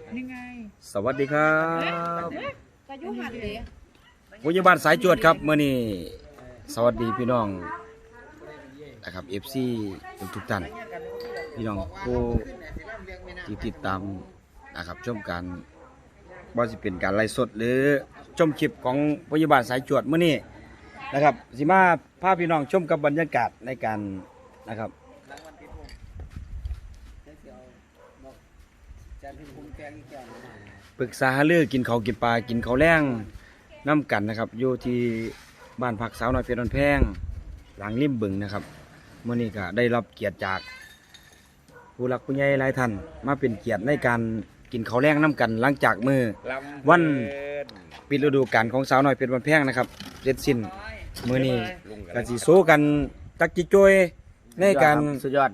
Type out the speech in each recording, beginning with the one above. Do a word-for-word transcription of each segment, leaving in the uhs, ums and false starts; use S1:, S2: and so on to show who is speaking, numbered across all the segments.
S1: นี่ไง
S2: สวัสดีครับผู้ใหญ่บ้านสายจวดครับเมื่อนี้สวัสดีพี่น้องนะครับ เอฟ ซี ทุกทุกท่านพี่น้องผู้ที่ติดตามนะครับชมการว่าจะเป็นการไลฟ์สดหรือชมคลิปของผู้ใหญ่บ้านสายจวดเมื่อนี้นะครับสิมาพาพี่น้องชมกับบรรยากาศในการนะครับปรึกษาหารือกินข้าวกินปลากินข้าวแรงน้ำกันนะครับอยู่ที่บ้านพักสาวน้อยเพชรวันแพงหลังริมบึงนะครับเมื่อนี้ก็ได้รับเกียรติจากผู้หลักผู้ใหญ่หลายท่านมาเป็นเกียรติในการกินข้าวแรงน้ำกันหลังจากมือวันปิดฤดูกาลของสาวน้อยเพชรวันแพงนะครับเสร็จสิ้นมือนี้ก็สิโซกันตักจิโจยในการสุดยอด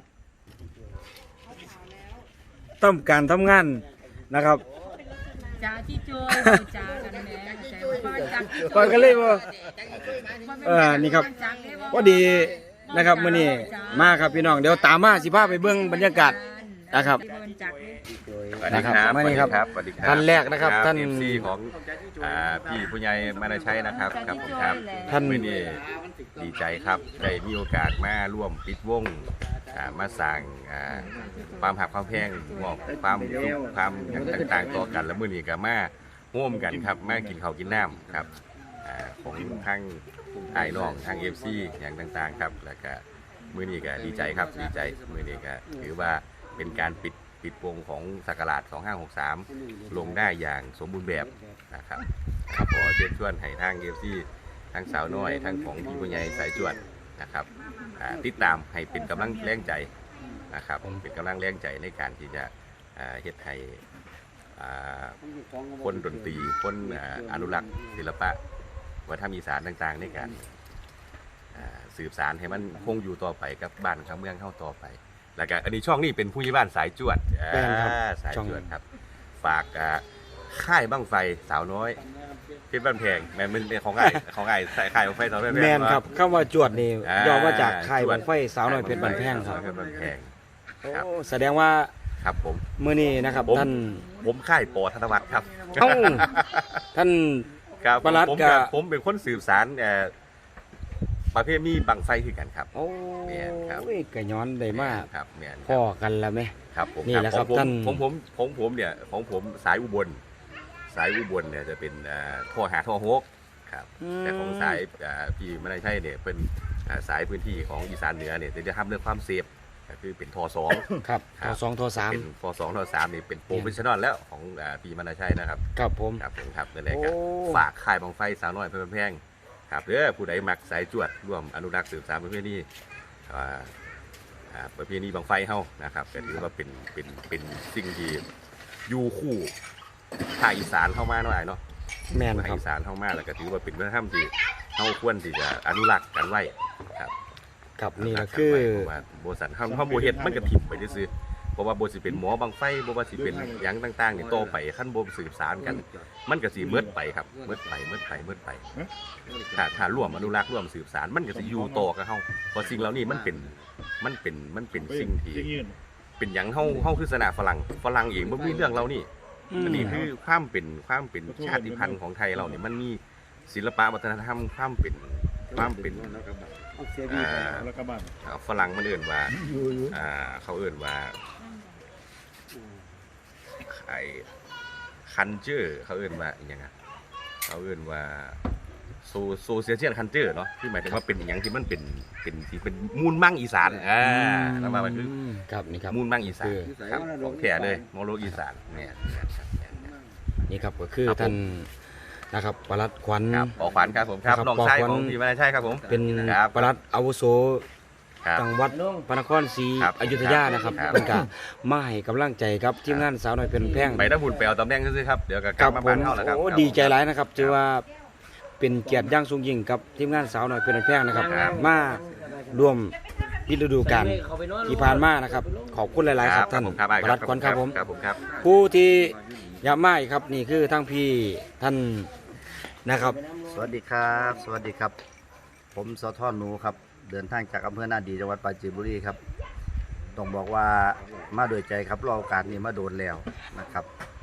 S2: ต้องการทำงานนะครับ
S1: จ้าที่โจยจ้ากันแม่
S2: ก่อนกันเลยบ่เออนี่ครับพอดีนะครับมื้อนี้มาครับพี่น้องเดี๋ยวตามมาสิพาไปเบิ่งบรรยากาศนะครับนะครับมานี่ครับท่านแรกนะครับท่าน
S3: เอฟซีของพี่ผู้ใหญ่มานาชัยนะครับครับผมครับท่านมื้อนี้ดีใจครับได้มีโอกาสมาร่วมปิดวงมาสั่งความหักความแพงมอบความสุขความต่างๆต่อกันแล้วมื้อนี้ก็มาร่วมกันครับมากินข้าวกินน้ำครับของทั้งไอ้น้องทาง เอฟ ซี อย่างต่างๆครับแล้วก็มื้อนี้ก็ดีใจครับดีใจมื้อนี้ก็ถือว่าเป็นการปิดปิดวงของศักราชสองห้าหกสามลงได้อย่างสมบูรณ์แบบนะครับครับขอเชิญชวนให้ทาง เอฟ ซี ทั้งสาวน้อยทั้งของพี่ผู้ใหญ่สายจวดนะครับติดตามให้เป็นกำลังแรงใจนะครับเป็นกำลังแรงใจในการที่จะเฮ็ดให้คนดนตรีคนอนุรักษ์ศิลปะวัฒนธรรมอีสานต่างๆในการสืบสานให้มันคงอยู่ต่อไปกับบ้านกับเมืองเข้าต่อไปแล้วก็อันนี้ช่องนี้เป็นผู้ใหญ่บ้านสายจวดสายจวดครับฝากค่ายบั้งไฟสาวน้อยเพชรบ้านแพงแม่มันเป็นของไอ้ของไอ้สายค่ายบั้งไฟสาวน้อยแม่น
S2: ครับคำว่าจวดนี่ย่อมาจากค่ายบั้งไฟสาวน้อยเพชรบ้านแพงครับ
S3: เพชรบ้านแพง
S2: แสดงว่า
S3: ครับผม
S2: เมื่อนี้นะครับท่าน
S3: ผมค่ายปอธนวัฒน์ครับ
S2: ท่าน
S3: ประหลัดกับผมเป็นคนสืบสารประเภทมีบังไฟคือกันครับ
S2: โอ้ยกระย้อนได้มาก
S3: ครับแม่น
S2: พ่อกันแล้วไหม
S3: ครับผม
S2: นี่แหละครับท่าน
S3: ผมผมผมผมเนี่ยของผมสายอุบลสายอุบลเนี่ยจะเป็นท่อหาท่อฮกครับแต่ของสายพี่ไม่ได้ใช่เนี่ยเป็นสายพื้นที่ของอีสานเหนือเนี่ยจะทำเรื่องความเซฟก็คือเป็นทอสอง
S2: ครับทอสองทอสาม
S3: เป็นทอสองทอสามนี่เป็นโปรเฟชชั่นอลแล้วของพี่มนาชัยนะครับ
S2: ครับผม
S3: ครับผมครับนั่นแหละครับฝากค่ายบังไฟสาวน้อยเพชรบ้านแพงครับเด้อผู้ใดมักสายจวดร่วมอนุรักษ์สืบสานประเพณีประเพณีบังไฟเฮานะครับก็ถือว่าเป็นเป็นเป็นสิ่งที่อยู่คู่ภาคอีสานเข้ามาหน่อยเนาะ
S2: แม่น
S3: ภาคอีสานเข้ามาแล้วก็ถือว่าเป็นวัฒนธรรมที่เฮาควรที่จะอนุรักษ์กันไว้ครับ
S2: ครับนี่ก็คือ
S3: โบสันเฮาเฮาโบเฮ็ดมันก็ถิ่มไปซื่อเพราะว่าโบสิเป็นหมอบังไฟโบว่าสิเป็นหยังต่างๆนี่โตไปขั้นโบสืบสานกันมันก็สิเมิดไปครับเมิดไปเมิดไปเมิดไปถ้าถ้าร่วมอนุรักษ์ร่วมสืบสานมันก็สิอยู่ต่อกับเฮาเพราะสิ่งเหล่านี้มันเป็นมันเป็นมันเป็นสิ่งที่เป็นหยังเฮาเฮาคือศาสนาฝรั่งฝรั่งเองบ่มีเรื่องเรานี่อันนี้คือความเป็นความเป็นชาติพันธุ์ของไทยเราเนี่ยมันมีศิลปะวัฒนธรรมความเป็นความเป็นฝรั่งมันเอื่นว่าเขาเอื่นว่าไอ้คันเจอร์เขาเอื่นว่าอย่างไงเขาเอื่นว่าโซโซเชียลคันเจอร์เนาะที่หมายถึงว่าเป็นอย่างที่มันเป็นเป็นที่เป็นมูลมั่งอีสานอ่าแล้วมามันคือ
S2: ครับนี่ครับ
S3: มูลมั่งอีสานครับของแท้เลยมรดกอีสานเนี่ย
S2: นี่ครับก็คือท่านนะครับปลัดขวัญ
S3: ขอขวัญครับผมครับน้องชายของพี่มาใช่ครับผม
S2: เป็นปลัดอาวุโสจังหวัดพระนครศรีอยุธยานะครับเป็นการมาให้กำลังใจครับทีมงานสาวน้อยเพชรบ้านแพง
S3: ไปถ้าหุ่นไปเอาตำแหน่งซื้อครับเดี๋ยวกลับมาบ้านเฮาแล้วครับ
S2: โอ้ดีใจหลายนะครับถือว่าเป็นเกียรติอย่างสูงยิ่งกับทีมงานสาวน้อยเพชรบ้านแพงนะครับมาร่วมปิดฤดูกาลที่ผ่านมานะครับขอบคุณหลายๆครับท่านปลัดขวัญครับผมผู้ที่ยามาอีกครับนี่คือทั้งพี่ท่านนะครับ
S4: สวัสดีครับสวัสดีครับผมสทหนูครับเดินทางจากอำเภอนาดีจังหวัดปราจีนบุรีครับต้องบอกว่ามาโดยใจครับรอโอกาสนี้มาโดนแล้วนะครับ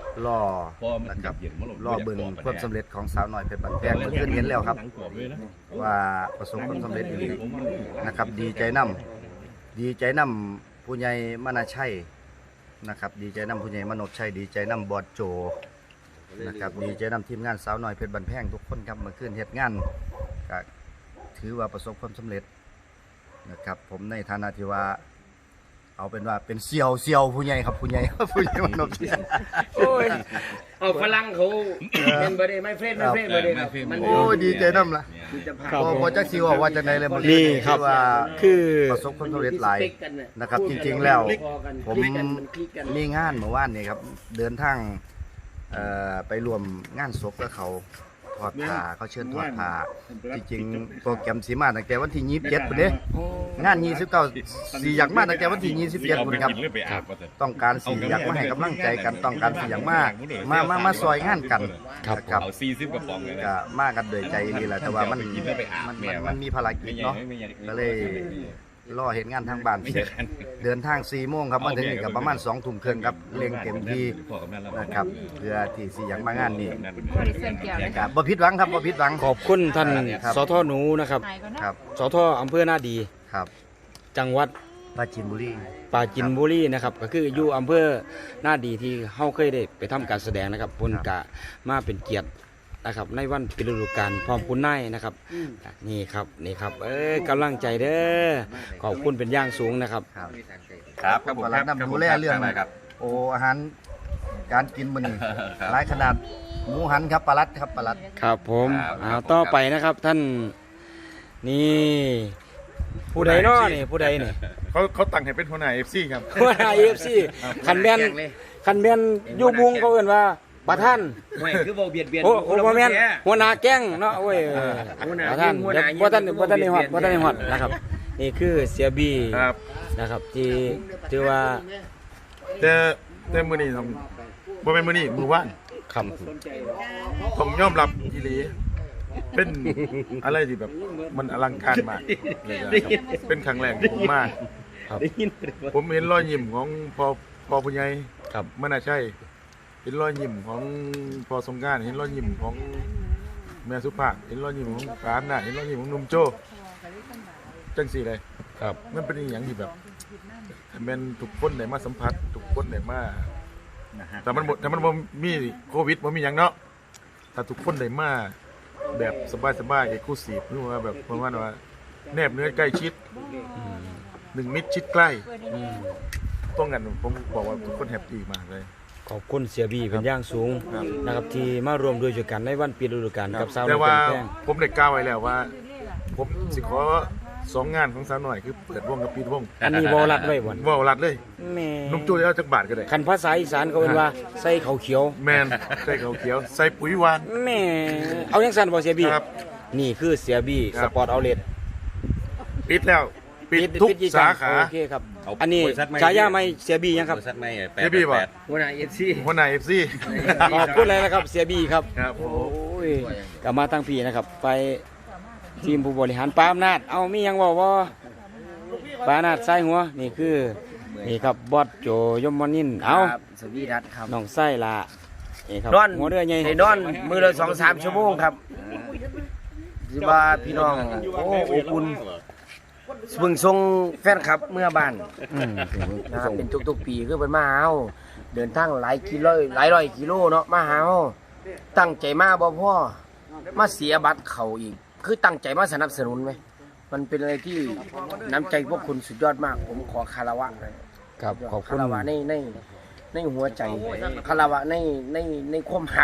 S4: รอนะครับรอเบิ่งความสำเร็จของสาวน้อยเพชรบ้านแพงเมื่อคืนเห็นแล้วครับว่าประสบความสำเร็จดีนะครับดีใจนำดีใจนำผู้ใหญ่มนาชัยนะครับดีใจนำผู้ใหญ่มโนชัยดีใจนำบอดโจนะครับดีใจนำทีมงานสาวน้อยเพชรบ้านแพงทุกคนครับเมื่อคืนเฮ็ดงานก็ถือว่าประสบความสำเร็จนะครับผมในฐานะที่ว่าเอาเป็นว่าเป็นเซียวเซียวผู้ใหญ่ครับผู้ใหญ่ผู้ใหญ่มโนชัย
S5: โอ้ยเอาฝรั่งเขาเป็นบริไม่เฟรนไม่เฟรนบริครับมัน
S4: โอ้ยดีใจน้ำละพอพอจะคิวว่าจะในเลยมัน
S2: นี่ครับ
S4: ว่า
S2: คือ
S4: ประสบความสำเร็จหลายนะครับ จริงๆแล้ว ผมมีงานเมื่อวานนี่ครับเดินทางเอ่อไปรวมงานศพกับเขาทอดผ้าเขาเชิญทอดผ้าจริงๆโปรแกรมสีมาตั้งแต่วันที่ยี่สิบเจ็ดพุ่นเด้งานยี่สิบเก้าสี่อยากมาตั้งแต่วันที่ยี่สิบเจ็ดพุ่นครับต้องการสี่อยากมาให้กำลังใจกันต้องการสี่อยากมามามามาซอยงานกันครับ
S3: เอาสี่สิบกระป๋องเลยนะ
S4: ก็มากันโดยใจนี่แหละแต่ว่ามันมันมันมันมีภารกิจเนาะก็เลยรอเห็นงานทางบ้านเสร็จเดินทางสี่โมงครับมาถึงนี่กับประมาณสองทุ่มครึ่งครับเร่งเต็มที่นะครับเพื่อที่สิอยากมางานนี้
S1: บริเส้นเกี่ยวเลย
S4: ครับบ่ผิดหวังครับบ่ผิดหวัง
S2: ขอบคุณท่าน
S4: ครับ
S2: สทหนูนะครับ
S1: หายก่อนนะครับ
S2: สทอำเภอหน้าดี
S4: ครับ
S2: จังหวัด
S4: ปราจีนบุรี
S2: ปราจินบุรีนะครับก็คืออยู่อำเภอหน้าดีที่เฮาเคยได้ไปทำการแสดงนะครับพุ่นกะมาเป็นเกียรตินะครับในวันปิดฤดูกาลพร้อมคุณนายนะครับนี่ครับนี่ครับเอ้ยกำลังใจเด้อขอบคุณเป็นอย่างสูงนะครับ
S4: ครับ
S3: ครับครับผม
S4: กำลังนำดูแลเรื่อง
S3: ครับ
S4: โอ้อาหารการกินมื้อนี้หลายขนาดหมูหันครับปลาลัดครับปลาลัด
S2: ครับผม
S3: ครับ
S2: เอาต่อไปนะครับท่านนี่ผู้ใดเนาะนี่ผู้ใดนี่
S6: เขาเขาตั้งให้เป็นหัวหน้าเอฟซีครับ
S2: หัวหน้า เอ เอฟ ซี คันแม่นคันแม่นอยู่บุงเขาเอิ้นว่าประธาน
S5: ไม่คือบ่เบียดเบียน
S2: โอ้โอ้บ่แม่นหัวหน้าแก๊งเนาะโอ้ยประธาน
S5: หัวหน้า
S2: บ่ทันบ่ทันได้ฮอดบ่ทันได้ฮอดนะครับ นี่คือเสียบี
S6: ครับ
S2: นะครับที่ถือว่า
S6: แต่แต่มือนี้ต้องบ่เป็นมือนี้มือว่าน
S2: คำ
S6: ต้องยอมรับอีหลีเป็นอะไรที่แบบมันอลังการมากเลยนะครับเป็นครั้งแรกของผมมาก
S2: ครับ
S6: ผมเห็นรอยยิ้มของพอพอผู้ใหญ่
S2: ครับ
S6: มน่าใช่เห็นรอยยิ้มของพอสงกรานต์เห็นรอยยิ้มของแม่สุภาพเห็นรอยยิ้มของปาอำนาจเห็นรอยยิ้มของหนุ่มโจ้จังสี่เลย
S2: ครับ
S6: มันเป็นอหย่างที่แบบถ้าแม่นทุกคนได้มาสัมผัสทุกคนได้มาแต่มันบ่แต่มันบ่มีโควิดบ่มีหยังเนาะถ้าทุกคนได้มาแบบสบายๆเอกลูซีฟหรือว่าแบบประมาณว่าแนบเนื้อใกล้ชิดหนึ่งมิตรชิดใกล้ต้องกันผมบอกว่าทุกคนแฮปปี้มากเลย
S2: ขอบคุณเสียบีเป็นอย่างสูง
S6: ครับ
S2: นะครับที่มารวมด้วยช่วยกันในวันปิดฤดูกาลกับสาวน้
S6: แต่
S2: อย
S6: ว่า
S2: เป็นแป้ง
S6: ผมได้กล่าวไว้แล้วว่า ผมสิขอสองงานของสาวหน่อยคือเปิดวงกับปิดวง
S2: อันนี้บ่รัดไว้บ่น
S6: ว่าวรัดเลย
S2: แม่
S6: นุ่มโจ้จะเอาจักบาทก็ได้
S2: คันภาษาอีสานเขาเอิ้นว่าใส่ข้าวเขียว
S6: แมนใส่ข้าวเขียวใส่ปุ๋ยหวาน
S2: แม่เอาจังซั่นบ่เสียบี
S6: ครับ
S2: นี่คือเสียบี
S6: ค
S2: ส
S6: รับ
S2: ปอร์ตเอาท์เลท
S6: ปิดแล้วปิดทุก
S2: กี่
S6: สาขา
S2: โอเคครับ อันนี้ฉายาไม่เสียบียังครับ
S3: บริษัทไม่แปด
S6: เดี๋ยวพี่บอก
S3: แปด
S5: หัวหน้าเอฟซี
S6: หัวหน้าเอฟซี
S2: ขอบคุณเลยนะครับเสียบีครับ
S6: ครับผ
S2: โอ้
S6: ม
S2: ยกลับมาตั้งพี่นะครับ ไปทีมผู้บริหารปาอำนาจเอามีหยังบอกว่าปาอำนาจใส่หัวนี่คือนี่ครับบอสโจยมนินทร์เอา
S5: สวีดัตครับ
S2: น้องไส้ละนี่ครับ
S5: นอน
S2: หัวเรือใหญ่
S5: ให้นอนมือละสองสามชั่วโมงครับสิว่าพี่น้องโอ้อบอุ่นเพิ่งส่งแฟนครับเมื่อบ้าน
S2: อืม
S5: นะครับเป็นทุกๆปีคือเป็นมาหาเฮาเดินทางหลายกิโลหลายร้อยกิโลเนาะมาหาเฮาตั้งใจมาบ่พอมาเสียบัตรเขาอีก คือตั้งใจมาสนับสนุนไหมมันเป็นอะไรที่น้ำใจพวกคุณสุดยอดมาก ผมขอคารวะเลย
S2: ครับขอบคุ
S5: คา
S2: ณ
S5: รวะในในในหัวใจคารวะในในในความหัก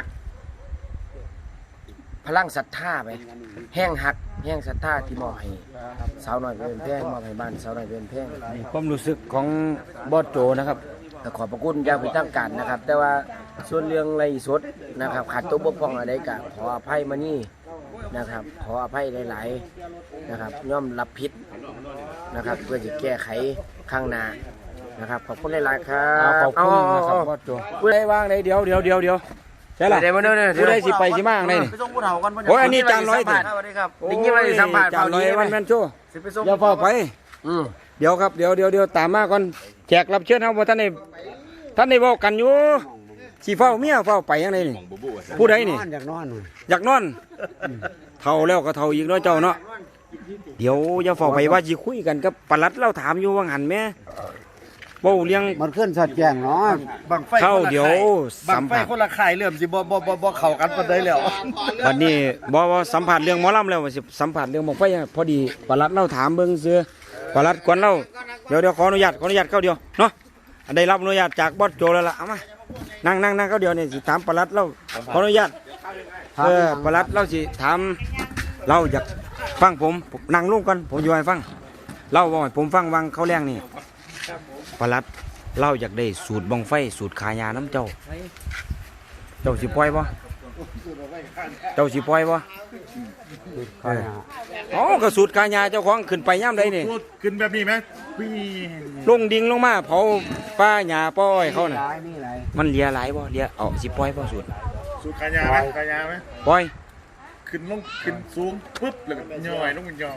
S5: พลังศรัทธาไปแห้งหักแห้งศรัทธาที่มอบให้สาวน้อยเป็นแพงมอบให้บ้านสาวน้อยเป็นแพง
S2: ความรู้สึกของบอสโจนะครับ
S5: ก็ขอบพระคุณอย่างเป็นทางการนะครับ แต่ว่าส่วนเรื่องไรสดนะครับขาดตัวบกพร่องอะไรก็ขออภัยมานี่นะครับ ขออภัยหลายๆนะครับย่อมรับผิดนะครับ เพื่อจะแก้ไขข้างหน้านะครับขอบคุณหลายๆครั
S2: เอา
S5: บ
S2: ขอบคุณนะครับบอสโจผู้ใดว่างใดเดี๋ยวเดี๋ยวเดี๋ยวเดี๋ยวใช่ล่ะ
S5: เดี๋ยวมาเดี๋ยวเดี๋ยว
S2: ผู้ใดสิไปสิมาไหนนี่
S4: ไปส่งผู้เฒ่ากัน
S2: โอ้ยอันนี้จานร้อย
S5: ส
S2: ติ
S5: วัสดีครับได้ยินว่าได้สัมภาษณ์
S2: จานร้อยวันแมนโชว์
S5: สิไปส่ง
S2: อย่าเฝ้าไป
S5: อืม
S2: เดี๋ยวครับเดี๋ยวเดี๋ยวเดี๋ยวตามมาก่อนแขกรับเชิญเฮาบ่ท่านได้ท่านได้เว้ากันอยู่สิเฝ้าเมียเฝ้าไปยังไงนี่ผู้ใดนี่
S5: อยากนอน
S2: อยากนอนเท่าแล้วก็เท่าอีกเนาะเจ้าเนาะเดี๋ยวอย่าเฝ้าไปว่าสิคุยกันกับปลัดเราถามอยู่ว่าหันแม่เว้าเลี้ยง
S5: มันขึ้นสัดแจ้งเนาะ
S4: บังไฟ
S2: เข้าเดี๋ยว
S4: บั
S2: สั
S4: ง
S2: ม
S4: ไฟ
S2: ผัส
S4: คนละค่ายเริ่มสิบ่บ่บ่บ่เข้ากันปานใดแล้ว
S2: วันนี้บ่ว่าสัมผัสเรื่องหมอลำแล้วว่าสิสัมผัสเรื่องบังไฟยังพอดีปลัดเราถามเบิ่งซื่อปลัดกวนเราเดี๋ยวเดี๋ยวขออนุญาตขออนุญาตเข้าเดียวเนาะอันได้รับอนุญาตจากบอสโจแล้วล่ะเอามานั่งนั่งนั่งเข้าเดียวนี่สิถามปลัดเราขออนุญาตเออปลัดเราสิถามเราอยากฟังผมนั่งลงก่อนผมอยู่ให้ฟังเล่าว่าให้ผมฟังวังเขาแรงนี่ปลัดเล่าอยากได้สูตรบังไฟสูตรขายาน้ำเจ้าเจ้าสิปล่อยบ่เจ้าสิปล่อยบ่เอออ๋อก็สูตรขายาเจ้าของขึ้นไปย่ำใดนี่
S6: พูดขึ้นแบบนี้ไหมพี่
S2: ลงดิ่งลงมาเผาป้าหญ้าป้อยเขาน่ะ
S5: หลายนี่หลาย
S2: มันเลียหลายบ่เลียเอาสิปล่อยบ่สูตร
S6: สูตรขายาไหมขายาไหม
S2: ปล่อย
S6: ขึ้นลงขึ้นสูงปุ๊บแล้วก็ย่อยลงมันย่อย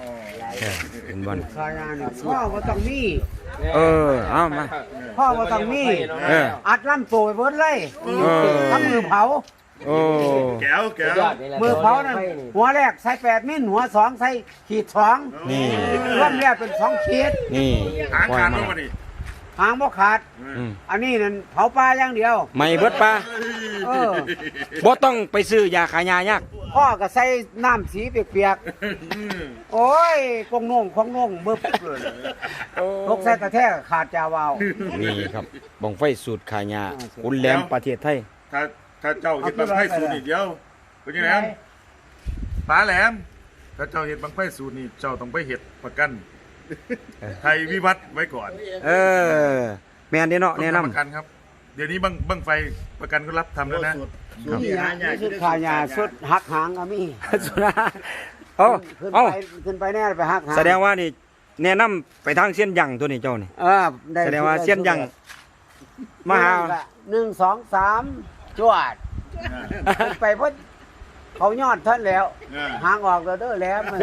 S2: เออเป็นบอล
S5: ขายานพ่อบ่ต้องมี
S2: เออเอามา
S5: พ่อบ่ต้องมี
S2: เออ
S5: อัดลำโตไปเบิดเลย
S2: เออ
S5: ทำมือเผา
S2: โอ้
S6: แก้วแก้ว
S5: มือเผานั่นหัวแรกใส่แปดมิลหัวสองใส่ขีดสอง
S2: นี่
S5: รวมแล้วเป็นสองขีด
S2: นี่
S6: หาง
S2: ปล่อย
S6: ขาดล
S2: มาง
S6: มาดิ
S5: หางบ่ขาด
S2: อืม
S5: อันนี้นั่นเผาปลาอย่างเดียว
S2: ไม่เบิดปลา
S5: เออ
S2: บ่ต้องไปซื้อยาขายายาก
S5: พ่อก็ใส่น้ำสีเปียกๆ โอ้ยกงนงของนงเบิ่บเลยตกใส่กระแทกขาดจาวาว
S2: นี่ครับบังไฟสูตรขายาคุณแหลมประเทศไทย
S6: ถ้าถ้าเจ้าเห็ดบังไฟสูตรนี่เดียวเป็นยังไงป้าแหลมถ้าเจ้าเห็ดบังไฟสูตรนี่เจ้าต้องไปเห็ดประกันไทยวิวัฒน์ไว้ก่อน
S2: เออแม่นเด้เนาะแนะ
S6: ต้อง
S2: นำ
S6: ทำประกันครับ เดี๋ยวนี้บังบังไฟประกันก็รับทำแล้วนะ
S5: นี่ฮะนี่สุดขายาสุดหักหางก็มี
S2: สุดาเอ้า
S5: ขึ้น
S2: เอ้า
S5: ไปขึ้นไปแน่ไปหักหาง
S2: แสดงว่านี่แนะนำไปทางเส้นยังตัวนี้เจ้านี่
S5: เออได้
S2: แสดงว่าเส้นยังมาหา
S5: หนึ่งสองสามจวดขึ้นไปเพิ่นเขายอดท่านแล้ว หางออกแล้วเด้อแหล้วมัน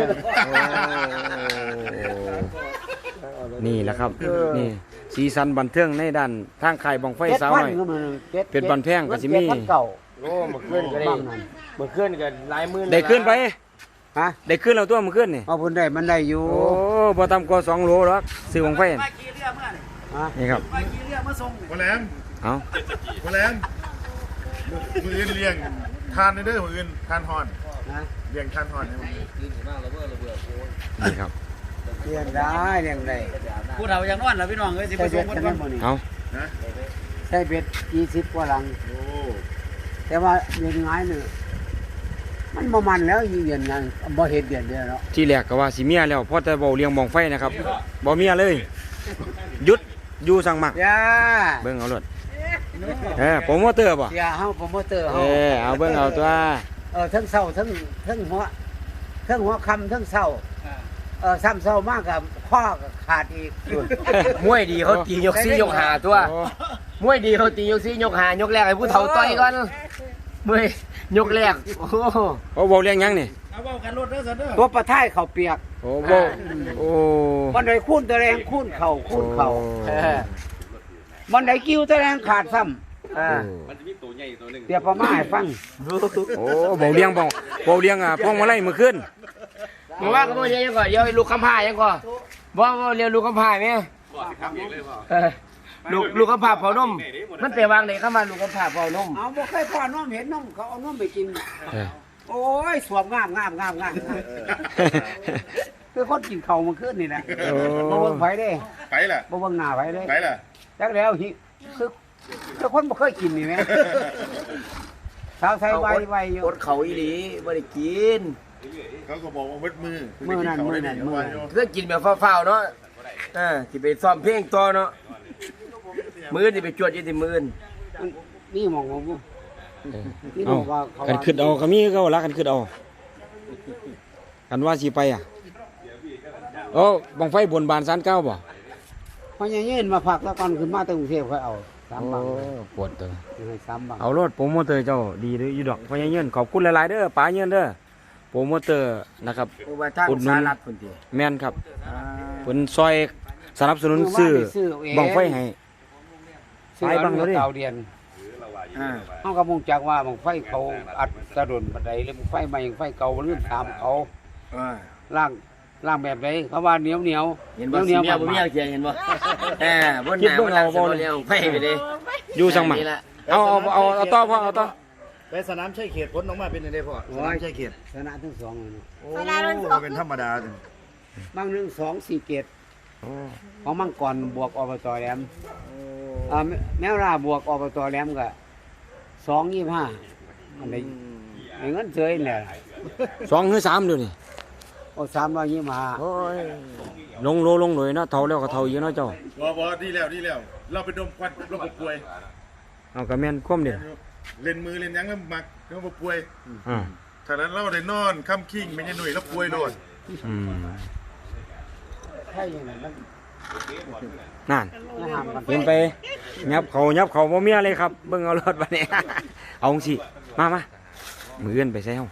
S2: นี่แหละครับ
S5: เออ
S2: นี่สีสันบันเทิงในด้านทางค่ายบังไฟสาวน้อย
S5: จ็ด
S2: เป็นบันแพงก็สิมี
S5: เจ็ดพันเก่า
S7: โอ้เมื่อคืนก็ได้
S5: บ้างนั่น
S7: เมื่อคืนก็หลายหมื่น
S2: ได้ขึ้นไป
S5: ฮะ
S2: ได้ขึ้นแล้วตัวมันขึ้นนี่
S5: เอาพุ่นได้มันได้อยู่
S2: โอ้บ่ต่ำกว่าสองโลหรอกซื้อบังไฟน่ะ
S5: ฮะ
S2: นี่ครับ
S6: พ่อแหลม
S2: เอา
S6: พ่อแหลมมืออื่นเลี้ยงทานในเด้อมืออื่นทานฮอน
S5: นะ
S6: เลี้ยงทานฮอนให้มัน
S2: นี่ครับ
S5: เลี้ยงได้เลี้ยงได้
S7: ผู้เฒ่ายังนอนแล้วพี่น้องเอ้ยสิไป
S5: ใส่
S7: ส่
S5: เบ็
S7: ง
S5: ด
S7: คน
S5: กัน
S7: ก่อน
S5: นั่นบ่นี่
S2: เอา
S6: นะ
S5: ใส่เบ็ดยี่สิบกว่าหลัง
S6: โอ้
S5: แต่ว่าเดือนง่ายเนี่ยมันบ่มันแล้วอีเดือนนั้นบ่เห็นเดือนเดียวเนาะ
S2: ที่แรกก็ว่าสิเมียแล้วพอแต่เว้าเลี้ยงบังไฟนะครับบ่เมียเลยหยุดอยู่สั่งมัก
S5: ย่า
S2: เบิ่งเอารถเออโปรโมเตอร์บ่
S5: เสียเฮาโปรโมเตอร์
S2: เอ
S5: เฮา
S2: อเอาเบิ่งเอาตัว
S5: เออทั้งเช้าทั้งทั้งหัวทั้งหัวค่ำทั้งเช้าเออซ้ำเช้ามากกับข้อก็ขาดอีก
S7: มวยดีเขาตียกซี่ยกหาตัว
S2: โอ้
S7: มวยดีเขาตียกซี่ยกหายกแรกให้ผู้เฒ่าต่อยก่อนมวยยกแรกโอ้โห
S2: โอ้เว้าเลี้ยงหยังนี่
S7: เอาเว้ากันรถเด้อซะเด้อ
S5: ตัวประท้ายเขาเปียก
S2: โอ้เว้าโอ้
S5: มันได้คูนตะแรงคูนเข่าคูนเข่า
S2: โอ้
S5: เออมันได้กิ้วตะแรงขาดซ้ำอ่าเดี๋ยวประมาให้ฟัง
S2: โอ้เว้าเลี้ยงบ่เว้าเลี้ยงอ่ะพวงมาลัยมื้อคืน
S7: มาว่ากันบ่ยังก่อนเดี๋ยวลูกคำพายังก่อนบ่บ่เรียนลูกคำพาแม่เออลูกลูกคำพาเผานมมันไปวางไหนคำว่าลูกคำพาเผานม
S5: เอาบ่เคยพ่อนมเห็นนมเขาเอานมไปกิน
S2: เออ
S5: โอ้ยสวมงามงามงามงามงามคือคนกินข้าวเมันขึ้นนี่แหละ
S2: โอ้
S5: บ่เบิ่งไผเด้
S6: ไปล่ะ
S5: บ่เบิ่งหน้าไผเด้
S6: ไปล่ะ
S5: จักแล้วหิคือคือคนบ่เคยกินนี่แหมสาวใส่ไวไวอยู่
S7: อดเขาอีหลีบ่ได้กิน
S6: เขาก็บอกว่ามืดมือ
S5: มื้อนั้นมื้อนั้นมื้อนั้น
S7: เพื่อกินแบบฟ้าวๆเนาะเออสิไปซ้อมเพลงต่อเนาะมื้อนี่ไปจวดอยู่ที่มื้อ
S5: มันนี่หมองของกูนี่บ
S2: เอา
S5: อกว่าเขา
S2: กันขึ้นเอาก็มีก็รักกันขึ้นเอากันว่าสิไปอ่ะโอ้บังไฟบนบานศาลเก้าบ่
S5: พอยังยืนมาพักแล้วก่อนขึ้นมาตั้งกรุงเทพค่อยเอาสามบัง
S2: ปวดตัว
S5: ให้สามบัง
S2: เอารถโปรโมเตอร์เจ้าดีเด้ออยู่ดอกพญาเงินขอบคุณหลายๆเด้อป๋าเงินเด้อโปรโมเตอร์นะครับ
S7: เพราะว่าทาง
S2: อุดหนุน
S7: สารัฐพุ่นติ
S2: แม่นครับเพิ่นซอยสนับสนุนซื้อบังไฟให้
S5: ซื้อ
S2: ไปบังแล้วดิ
S5: เก่าเดียนอ่า
S8: เฮาก็มุ่งจักว่าบังไฟเขาอัดตะดนบันไดหรือบังไฟใหม่บังไฟเก่าลืมตามเขา
S5: อ่า
S8: ล่างล่างแบบใดเขาว่าเหนียวเหนียว
S5: เห็นบ่
S8: เหนียว
S5: เมีย
S8: เหนี
S5: บ่
S8: ยว
S5: เมียเขียนเห็นบ่เออบนห
S2: คิด
S5: น้า
S2: เบิ่งเอาบ่
S5: เลี้ยงไฟไปเด้
S2: อยู่สังหมัก
S5: นี่ล่ะ
S2: เอาเอาเอาเอาต่อพ่อเอาต่อ
S4: ไปสนามชัยเขตผลออกมาเป็นยังไงพ่อสนามชัยเขต
S8: ชนะทั้งสองเลยเนาะ
S4: โอ้เป็นธรรมดาจัง
S8: บางหนึ่งสองสี่เกตของมังกรบวกอบตแหลมอ่าแมแมวราบวกอบตแหลมก็สองยี่ห้าอันใดไอ้เงินเฉยเนี่ย
S2: สองหรือสามเดี๋ยวนี้
S8: โอ้สามร้อยยี่ห้า
S2: โอ้ยลงโลลงหน่อยเนาะเท่าแล้วก็เท่าอยู่เนาะเจ้า
S6: บ่บ่ดีแล้วดีแล้ว เราไปดมควันเราบ่ป่วย
S2: เอากระแม่นคว่ำเด็ด
S6: เล่นมือเล่นหยังแล้วมักเราบ่ป่วย
S2: อ่า
S6: ถ้านั้นเราได้นอนค่ำคิงไม่ใช่หน่วยแล้วป่วยโดน
S2: อืม
S8: ใช่ยังไงมัน
S2: นั่น
S8: ไม่ห้ามกัน
S2: เห็นไปยับเขายับเขาบ่มีอะไรครับเบิ่งเอารถบัดนี้ เอาสิมามามือเอื้อนไปใส่เฮา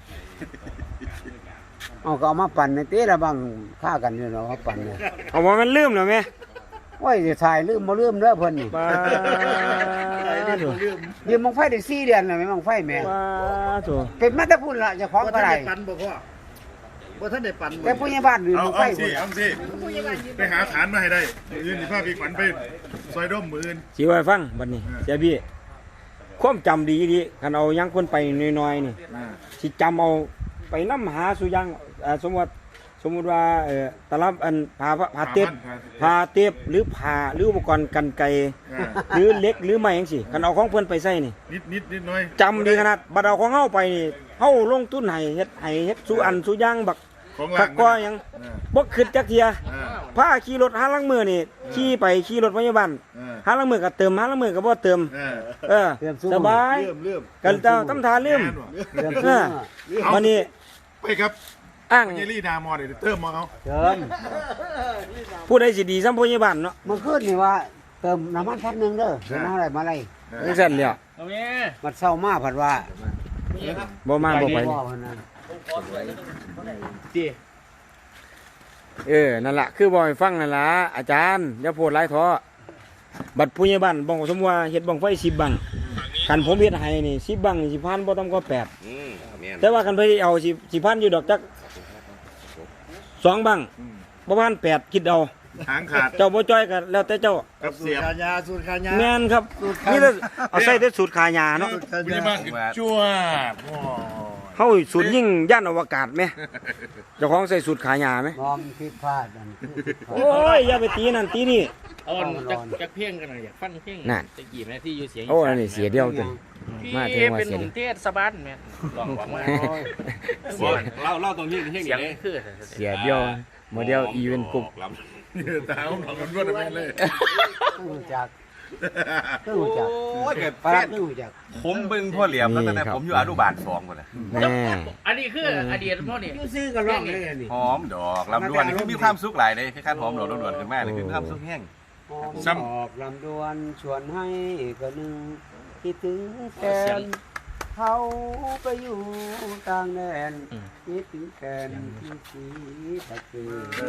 S8: เอาก็เอามาปั่นในเต้ละบางฆ่ากันอยู่เนาะเขาปั่นเนี่ย
S2: เอาว่ามันลืมแล้วแม่
S8: โอ้ยจะถ่ายลืมบ่ลืมเด้อเพิ่นนี่
S2: ปาโถ
S8: ยืมบังไฟได้สี่เดือนแล้วแม่บังไฟแม่
S2: ปาโถ
S8: เป็นมาแต่พุ่นละเจะของ
S4: บ่
S8: ก็
S4: ท่าน
S8: ได้
S4: ได้ปันบ่พ่อบ่ท่านได้ปันบ่
S8: แต่ผู้ใหญ่บ้านลืม
S6: เอา
S8: บังไฟ
S6: เอาสิ
S8: พุ่น
S6: เอาสิไปหาฐานมาให้ได้มืออื่นสิพาพี่ขวัญไปซอยด้มมืออื่น
S2: สิว่าให้ฟังบัดนี้เสียพี่ความจำดีดีคันเอายังคนไปน้อยๆนี่สิจำเอาไปนำหาสุยังอ่าสมมุติสมมุติว่าเอ่อตลับอันผ้าผ้าเต็บผ้าเต็บหรือผ้าหรืออุปกรณ์กันไกรหรือเหล็กหรือไม้จังซี่คันเอาของเพิ่นไปใส่นี่
S6: นิดนิดนิดหน่อย
S2: จำดีขนาดบัดเอาของเฮาไปนี่เฮาลงทุนให้เฮ็ดให้เฮ็ดสุอันสุอย่างบัก
S6: ของ
S2: คั
S6: ล่าก ง
S2: ก็หยังบ่คิดจักเที่ย
S6: อ่า
S2: พาขี่รถหาลังมือนี่ขี่ไปขี่รถพยาบาล
S6: อ่า
S2: หาลังมือก็เติมหาลังมือก็บ่เติม
S6: อ่า
S2: เออสบาย
S4: เริ่มเริ่ม
S2: กันเจ้าตำทาลืม
S8: เดือน
S2: เอ
S8: ซื้อ
S2: อวันนี้
S6: ไปครับ
S2: อ้าง
S6: เยลี่ดามอเดี๋ยวเติมมาเอา
S8: เติม
S2: ผู้ใดสิดีซ้ำพยาบาลเนาะ
S8: เมื่อคืนนี่ว่าเติมน้ำมันพันหนึ่งเด้อเดี๋ยวน้ำอะไรมาอะไร
S2: จังซั่นแหล้ว
S8: มันเศร้ามากผัดว่า
S2: บ่มาบ่ไป
S8: ว่าเพิ่นนั่น
S2: เออนั่นล่ะคือบ่ให้ฟังนั่นล่ะอาจารย์อย่าโพดหลายท้อบัดผู้ใหญ่บ้านบอกสมมุติว่าเฮ็ดบังไฟสิบบังคันผมเฮ็ดให้นี่สิบบังนี่สิพันบ่ต่ำกว่าแปด
S3: อืมแม่น
S2: แต่ว่าคันไปเอาสิสิพันอยู่ดอกจักสองบังบ่พันแปดคิดเอา
S6: หางขาด
S2: เจ้าบ่จ้อยก็แล้วแต่เจ้า
S6: กับ
S4: สู
S6: เสี
S4: ต
S6: ย
S4: ร
S6: บ
S4: ขายาสูตรขายา
S2: แม่นครับนี่แต่เอาใส่แต่สูตรขายาเนาะ
S4: สูตรขายา
S6: นี่มากจั่วโอ้
S2: เฮาสูตรยิ่งย่านอวกาศไหมเจ้าของใส่สูตรขายาไหม
S8: มองผิดพลาดนั่นคือผิดพลาด
S2: โอ้ยอย่าไปตีนั่นตีนี่
S1: เอาอันจักจักเพ่งกันหน่อยอยากฟังเพ่ง
S2: นั่น
S1: ตะกี้แม่ที่อยู่เสียง
S2: โอ้อันนี้เสียเดียวจน
S1: พี่
S2: มาถึงว่า
S1: เป็น
S2: เสี
S1: ห
S2: ย
S1: นุ่ม
S2: เดียว
S1: เทศบาลแม่ลองบอกมา
S2: เสีย
S3: เล่าเล่าตรงนี้เพ่ง
S1: เสียงคือ
S2: เสียเดียวโมเดลอีเวนต์กลุ่ม
S6: เนี่ยตาผมหลอกกันรวดแม่นเลย
S8: ต้องรู้จักต้องรู้จัก
S3: โอ้ยเกิด
S8: ปลา
S3: แฟ
S8: ร้า
S3: ด
S8: ต้องรู้จัก
S3: ผมเบิ่งพ่อเหลี่ยมแล้วตั้งแต่ผมอยู่อนุบาลสองคนน่ะ
S2: แน่
S1: อันนี้คืออดีตพ่อนี่
S8: อยู่ซื้อก็ร้องเลยอันนี่
S3: หอมดอกลำดวนนี่คือมีความสุขหลายเลยคล้ายๆหอมดอกลำดวนขึ้นมาเลยคือมีความสุขแห้ง
S8: ซ้ำออกลำดวนชวนให้ก็นึงคิดถึงแฟนเขาไปอยู่ต่างแดนคิดถึงแฟนที่สีตะเกี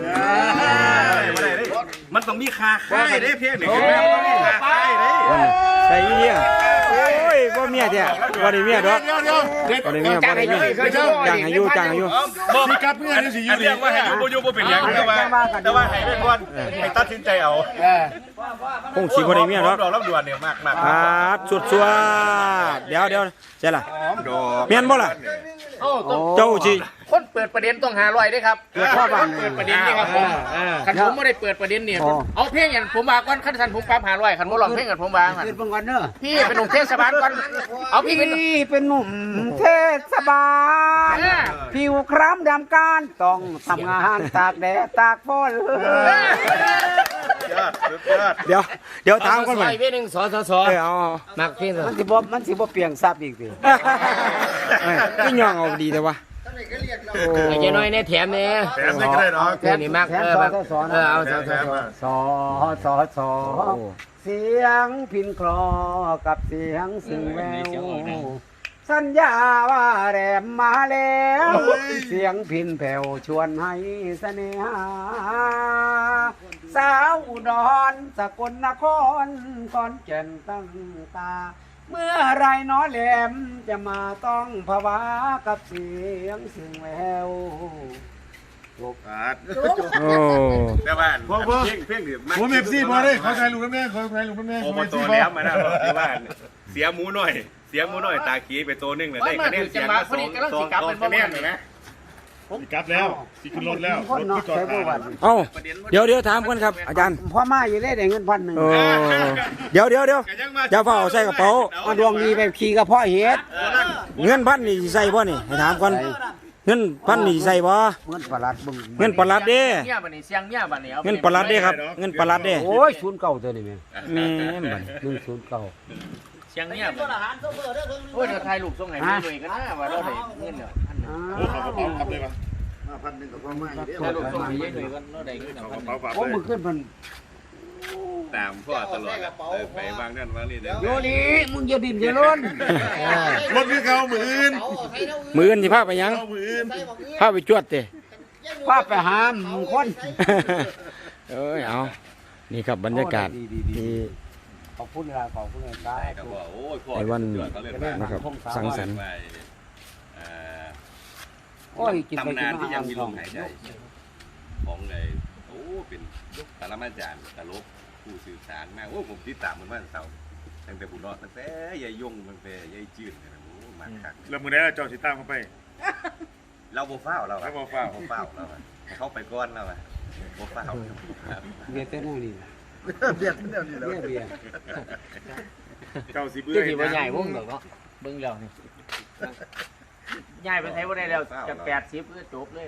S8: ยบ
S3: มันต้องมีคาค่ายได้เพียงนี่คือแม่มันต้องมีคาค่ายได้
S2: ใส่เมียโอ้ยบ่เมียแท้บ่ได้เมียดอก
S6: เดี๋ยวเดี๋ยวเด็ด
S2: บ่ได้เมียบ่ได้เมียจ้างให้อยู่จ้างให้อยู่
S6: บอกพี่กับเพื่อนนี่สิอ
S3: อั
S6: ยู่
S3: น
S6: ดี
S3: เรียกว่าให้อยู่บ่อยู่บ่เป็นหยังแต่ว่าแต่ว่าให้เป็นคนให้ตัดสินใจเอา
S2: คงสิบ่ได้เมียดอก
S3: ดอกลำดวนเนี่ยมากมาก
S2: อ่าสุดสวดเดี๋ยวเดี๋ยวใช่ล่ะ
S3: หอมดอก
S2: แม่นบ่ล่ะ
S1: โอ้ต้อง
S2: เจ้าสิ
S1: คนเปิดประเด็นต้องหาร้อยด้วยครับ
S8: เกิดข้อบัง
S1: เปิดประเด็นนี่ครับผมคันผมไม่ได้เปิดประเด็นเนี่ยเอาเพลงอย่างผมมาก่อนคันสันผมปรับหาร้อยคันผมลองเพลงกันผมวาง
S8: เกิดบังกันเนอะ
S1: พี่เป็นหนุ่มเทศบาลก่อนเอาพี่เป็น
S8: พี่เป็นหนุ่มเทศบาลผิวคล้ำดำการต้องทำงานตากแดดตากฝน
S3: ยอดสุดยอด
S2: เดี๋ยวเดี๋ยวถามก่อนไป
S7: ซอยเว้ยหนึ่งสอสอสอ
S2: เออเอา
S7: มักเพียงสอ
S8: มันสิบ่มันสิบ่เปลี่ยงซับอีกสิ
S2: เอ้ยพี่ย่องเอาดีแต่ว่า
S7: ไอ้เจ้าน้อยเนี่ยแถมเนี่ย
S6: แถมได้ก็ได้เนาะ
S7: เพื่อนนี่มัก
S8: แถม
S7: เออ
S8: ซอ
S7: มัก
S8: ซอ
S7: เออเอาสอสอสอ
S8: ซอซอซอเสียงพินคลอกับเสียงซึ่งแววสัญญาว่าแรมมาแล้ว เสียงพินแผ่วชวนให้เสน่หาสาวอุดรสกลนครก่อนแก่นตั้งตาเมื่อไรน้อแหลมจะมาต้องภาวะกับเสียงซึ่งแวว
S6: โอ้
S3: แม่บ้าน
S6: พ่อพ่อ
S3: เพ่งเพ่งดื่ม
S6: ผมเอฟซีพอได้ขอถ่ายรูปแม่ขอถ่ายรูปแม่
S3: โอ้
S6: ผม
S3: โห
S6: เอฟ
S3: ตั
S6: ซี
S3: ว
S6: พอ
S3: แล้วมาแล้วที่บ้านเสียหมูหน่อย เสียหมูหน่อยตาขี้ไปตัวนึงเลยได้คะแนนเสียงมาสองสองสองคะแนนเลยนะ
S6: กลับแล้วสิขึ้นรถแล้วรถที่จอดทาง
S2: เอ้าเดี๋ยวเดี๋ยวถามกันครับอาจารย์
S8: พ่อมาอยู่ได้ได้เงินพันหนึ่ง
S2: เออเดี๋ยวเดี๋ยวเดี๋ยวอย่าเฝ้าเอาใส่กระเป๋า
S8: มาดวงดีไปขี่กับพ่อเฮ็ด
S2: เงินพันนี่สิใส่บ่นี่ให้ถามก่อนเงินพันนี่สิใส่บ่
S8: เงินประหลัดบึง
S2: เงินประหลัดเด้
S1: เมียบัดนี้เสียงเมียบัดนี้เอา
S2: เงินประหลัดเด้ครับ เงินประหลัดเด้
S8: โอ้ยศูนย์เก่าตัวนี้แม่
S2: แม่นบัด
S8: หนึ่งศูนย์เก่า
S1: เสียงเมียบัดโอ้ยเดี๋ยวถ่ายรูปส่งให้แม่หน่อยกันนะว่าเราได้เงินแล้ว
S6: โอ้ขอกระเป๋าครับเลยปะ
S4: พันหนึ่งกับพ่อไม่เด้อ
S1: ถ่ายรูปส่งให้ยายหน่อยกันเราได้เงินแล้ว
S6: ขอกระเป๋าฝาก
S8: โอ้
S6: เล
S8: มึ
S6: ย
S8: งขึ้นมัน
S3: ตามพ่อตลอดไปวางนั่นวางนี่เด้อ
S8: โยนี่มึงอย่าดิ่มอย่าล้น
S6: รถคือเขาหมื่น
S2: มื้ออื่นสิพาไปหยัง
S6: เขาหมื่น
S2: พาไปจวดเด้
S8: พาไปหาหมู่คน
S2: เอ้ยเอานี่ครับบรรยากาศที่
S8: ขอบคุณเวลาขอบคุณเวลา
S3: ก็บอกโอ้ยพ่อ
S2: ในวัน
S3: เขาเลย
S2: นะครับสังสรรค์
S8: โอ้ยกินไป
S3: ตำ
S8: กิ
S3: นาน
S8: น
S3: ที่
S8: มา
S3: ยัง
S8: อ่าง
S3: มี
S8: ท
S3: ล
S8: อง
S3: มหายใจของไงโอ้เป็นปรมาจารย์ตลกผู้สื่อสารมากโอ้ผมติดตามมันมาตั้งแต่ตั้งแต่ผู้รอดตั้งแต่ยายยงตั้งแต่ยายจืดเนี่ยโอ้มาคัก
S6: แล้วมือนี้เจ้าสิตามเขาไป
S3: เราโบฟ้าวเรา
S6: เราบ่ฟ้าว
S3: โบฟ้าวเราให้เข้าไปก้อนเราอะโบฟ้าว
S8: ำเบียร์เต้นนี่นะ
S4: เบียดเดียวนี่แล้ว
S8: เบียร์เบียร์
S6: เจ้าสิเบื่อ
S1: คือสิบ่ใหญ่วงดอกเนาะเบิ่งแล้วนี่ใหญ่ไปไทยบ่ได้แล้วจะแปดสิบก็จบเลย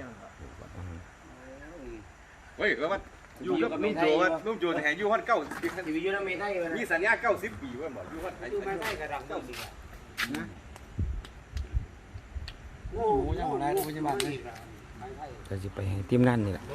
S3: เฮ้ยแล้วว่าอยู่กับนุ่มโจว่านุ่มโจแห่อยู่ฮั่นเก้าสิบ
S1: สิอยู่นำเมไทยบ่
S3: มีสัญญาเก้าสิบปีว่าบอกอยู่ฮั่น
S8: ดูไม่ได้กระดังเก้าสิบนะโอ้ยยังบ่ได้ดูยังบ่ได้
S2: ก็สิไปให้ทีมงานนี่แหละ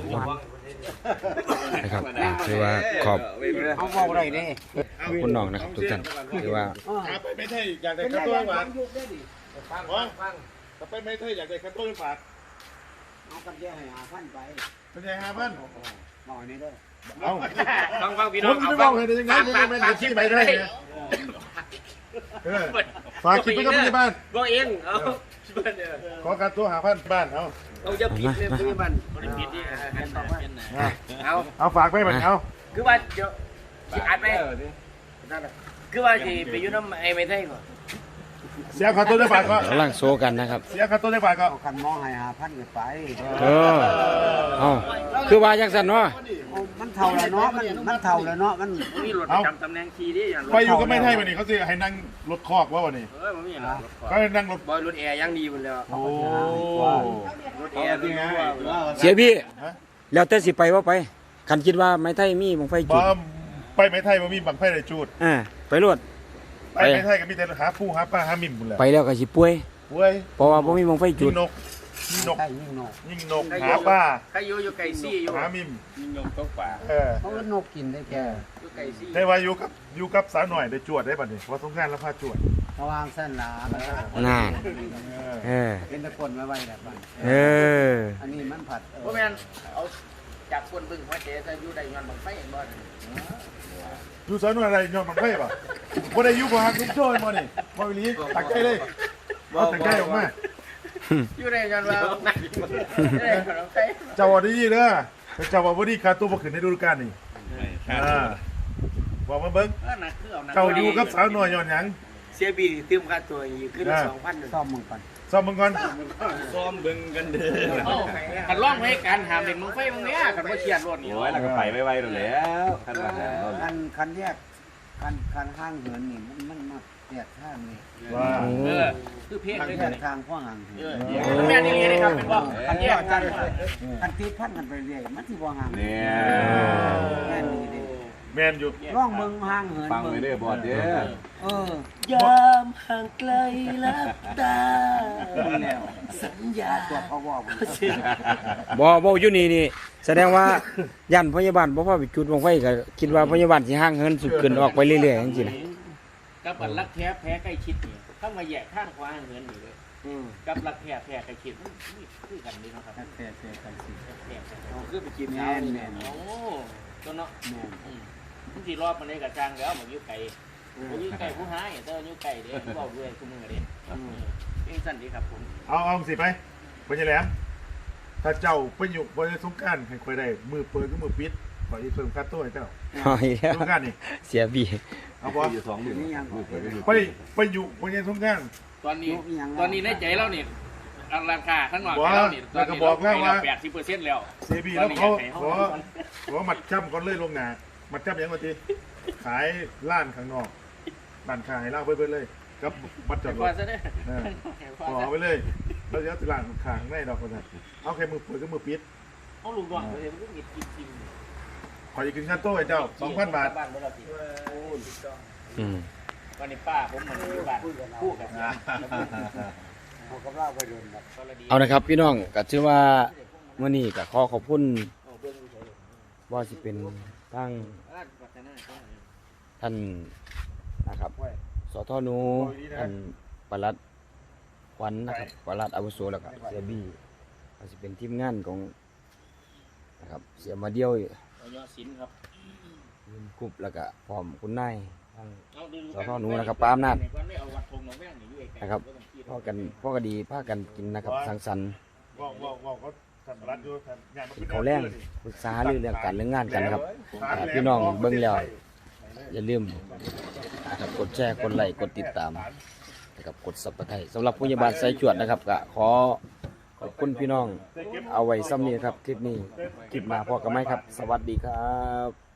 S2: นะครับคือว่าขอบ
S8: เอาเว้าได้เด้
S2: คุณน้องนะครับทุกท่านคือว่า
S6: ขาไปไม่ใช่อยากได้คัตโต้ฝากฟังถ้าไปไม่ใช่อยากได้คัตโต้ฝาก
S8: เอากันแย่ให้หาพันไป
S6: เป็นไงฮะเพื่อน
S8: หน่อยนี้เด้อ
S6: เอา
S1: ฟังฟังพี่
S6: ผ
S1: น้อง
S6: ม
S1: เอา
S6: จะบ
S1: ฟั
S6: อง กให้ได้ยังไงผมไม่ได้ที่ไปได้เนี่ยเออฝากคิดไปกับที่บ้าน
S1: บ่เองเอา
S6: ขอการตัวหาพันบ้านเอา
S1: เอาจะผิดเลยพี่มันบ่ได้ผิดนี่เอา
S6: เอาฝากไปมันเอา
S1: คือว่าเดี๋ยวสิอัดไปคือว่าสิไปอยู่นำไอ้ไม่ไทยก่อน
S6: เสียค่าตัวได้บาทก็
S2: กำลังโซกันนะครับ
S6: เสียค่าตัวได้บาทก็
S8: เอาคันมองให้หาพันกันไป
S2: เออเอาคือว่าจังซั่นเนาะ
S8: มันเท่าแล้วเนาะมันมันเท่าแล้วเนาะมัน
S1: มีรถประจำตำแหน่งขี่ดิอย่างรถ
S6: ไปอยู่ก็ไม่ให้วันนี้เขาสิให้นั่งรถคอกว่าวันนี้
S1: เอ้ยมันมีรถ
S6: เขาให้นั่งรถ
S1: บอยรถแอร์ยังดีหมดแล้ว
S6: โอ้
S1: รถแอร์ดีไง
S2: เสียพี่แล้วแต่สิไปว่าไปคันคิดว่าไม้ไทยมีบังไฟ
S6: บ
S2: จุด
S6: อมไปไม่ไทยบ่มีบังไฟได้จูด
S2: อ่าไปรวด
S6: ไปไม่ไทยก็มีแต่หาผู้หาปลาหามิ่มหมดแหละ
S2: ไปแล้วก็สิป่วย
S6: เว้ย
S2: เพราะว่าบ่มีบังไฟจุ
S6: ยิ
S2: ด
S6: งนกยิงนก
S8: ใช่ยิ่งนก
S6: ยิงนกหาปลา
S1: ใครอยู่อยู่ไก่ซี่อยู่
S6: หามิ่ม
S3: ยิงยงตกป่า
S6: เออ
S8: เขาก็นกกินได้แก่
S1: อยู่ไก่ซี่
S6: ได้ว่าอยู่กับอยู่กับสาวหน่อยได้จวดได้บัดนี้ว่าสงกรานต์แล้วพาจวด
S8: ระวางเส้นหลา
S2: น่า
S6: เออ
S2: เออ
S8: เป็นตะคนไว้ไว้แบบนั้น
S2: เออ
S8: อันนี้มันผัด
S1: บ่แม่นเอาจับคนบึ้งหัวเจ๊จะอยู่ได้ย้อนบังไฟบ่
S6: อยู่สาวหน่อยอะไรยอมบังไฟป่ะบ่ได้อยู่บ่ฮักทุกโจ้ยบ่นี่บ่อีหลีตักใจเลยเอาตักใจออกมา
S1: อยู่ได้ย้อนว่าได้บังไฟ
S6: เจ้าว่าดีเด้อแต่เจ้าว่าบ่ดีค่าตัวบ่ขึ้นในฤดูกาลนี่อ่าบอกมาเบิ่ง
S1: เออน่ะคือเอานะ
S6: เจ้าอยู่กับสาวหน่อยย้อนหยัง
S1: เสียบีเติมค่าตัวอีกขึ้นสองพัน
S8: ซ่อมมึงก่อน
S6: ซ้อมมึงก่อน
S3: ซ้อมเบิ่งกันเด้อ
S1: กันร้องให้กันหามเด็กมึงไฟมึงเนี้ยกันบ่เครียดรถนี่
S3: โอ้ยแล้วก็ไปไวๆแล้วท่านว่า
S8: คันคันแยกคันคันห้างเหินนี่มันมันมาแยกทางนี่
S6: ว่า
S1: เออคือเพลง
S8: คัน
S1: เลย
S8: แย
S1: กัน
S8: กทางข้างห่างเหิ
S1: เอน อแม่นี่เลยครับเป็นบ่คันแยกกัน
S8: คันตีพันกันไปเรื่อยมันสิบ่ห่าง
S3: เนี่ย
S8: แม่นี่เด้
S6: แมนอยู่
S8: ร่องเบิ่งห่างเหิน
S3: ฟังไปเด้อบอดเด้อ
S8: เออย
S7: ามห่างไกลลับตา
S8: แล้ว
S7: สัญญา
S8: ตัวเขาบอก
S2: บ่บ่อยู่นี่นี่แสดงว่าย่านพยาบาลบ่พอไปจุดบังไฟก็คิดว่าพยาบาลสิห่างเหินสุดขึ้นออกไปเรื่อยๆจังซี่นะ
S1: กับอันรักแท้แพ้ใกล้ชิดนี่ถ้ามาแยกข้างขวาเหินนี่เลยกับรักแท้แพ้ใกล้ชิดนี่คือกันนี่เนาะครับ
S8: แท้แท้กันสิ
S1: แท้เอาคือไปกิน
S8: แม่นแม่น
S1: โอ้ตัวเนาะ
S8: แม่น
S1: มันสิรอบมันได้กับจางแล้วมันอยู่ไกลอยู่ไก่ผู้หายเต้าอยู่ไก่เด้อบอกด้วยคุณมือเด้เองสั่นดีครับผม
S6: เอาเอาสิไปไปยังแหลมถ้าเจ้าไปอยู่บนสงกรารให้คอยได้มือเปิดก็มือปิดขออีเพิ่มค่าตัวให้เจ้า
S2: เอาอีกแล้ว
S6: สงกรารนี่
S2: เสียบี
S6: เอาบ่ไปไปอยู่บนสงกราร
S1: ตอนนี้ตอนนี้ในใจเราเนี่ยราคาข้างนอก
S6: บอก
S1: เราเนี่ยตอน
S6: แล้วก็
S1: นี้
S6: บอกแล้วว่า
S1: แปดสิบเปอร์เซ็นต์แล้ว
S6: เซบีแล้วเขาขอขอมัดจำก่อนเลยลงหนามัดจำยังไงทีขายร้านข้างนอกร้านขายเหล้าเพิ่นเลยกับมัดจอดร
S1: กว่า
S6: ถ
S1: ซะเด้อ
S6: ขอไปเลยแล้วเดี๋ยวร้านขางในดอกก็ได้เอาแค่มือเปิดก็มือปิด
S1: เอาลูกน้องเลยมันก็หงิดกินกิน
S6: ขออีกกินค่าโต้ให้เจ้าสองพันบาท
S1: บ้านเมื่อเราสิ
S2: อืม
S1: วันนี้ป้าผมมันอยู่บ้านคู่กับยา
S8: เขาก็เล่าไปโดนแบบ
S2: เอานะครับพี่น้องก็ถือว่าเมื่อนี้ก็ขอขอบคุณว่าสิเป็นทั้งท่านนะครับสทนูท่านปลัดขวัญนะครับปลัดอาวุโสแล้วก็เสียบี้ก็สิเป็นทีมงานของนะครับเสียมาเดียว
S1: เอายอดสินครับ
S2: ทีมกรุ๊ปแล้วก็พร้อมคุณนายทั้ง
S1: เอาดู
S2: สทนูนะครับปาล์มนาจ
S1: เอาวัดธงหนองแว่งนี่อยู่ไกลๆ
S2: นะครับพ่อกันพ่อก็ดีพ่อกันกินนะครับสังสรรค์
S6: บอกบอกบอกเขาท่านรัฐอยู่ท่านงานมัน
S2: กิ
S6: เป็น น
S2: เขาวแรงปรึกษาเรื่องเรื่องการเรื่องงานกันนะครับอ่าพี่น้องเบิ่งแล้วอย่าลืมนะครับกดแชร์กดไลค์กดติดตามนะครับกดซับสไครต์สำหรับผู้ใหญ่บ้านสายจวดนะครับก็ขอขอบคุณพี่น้องเอาไว้ซ้ำนี้ครับคลิปนี้คลิปหน้าพอกันไหมครับ สวัสดีครับ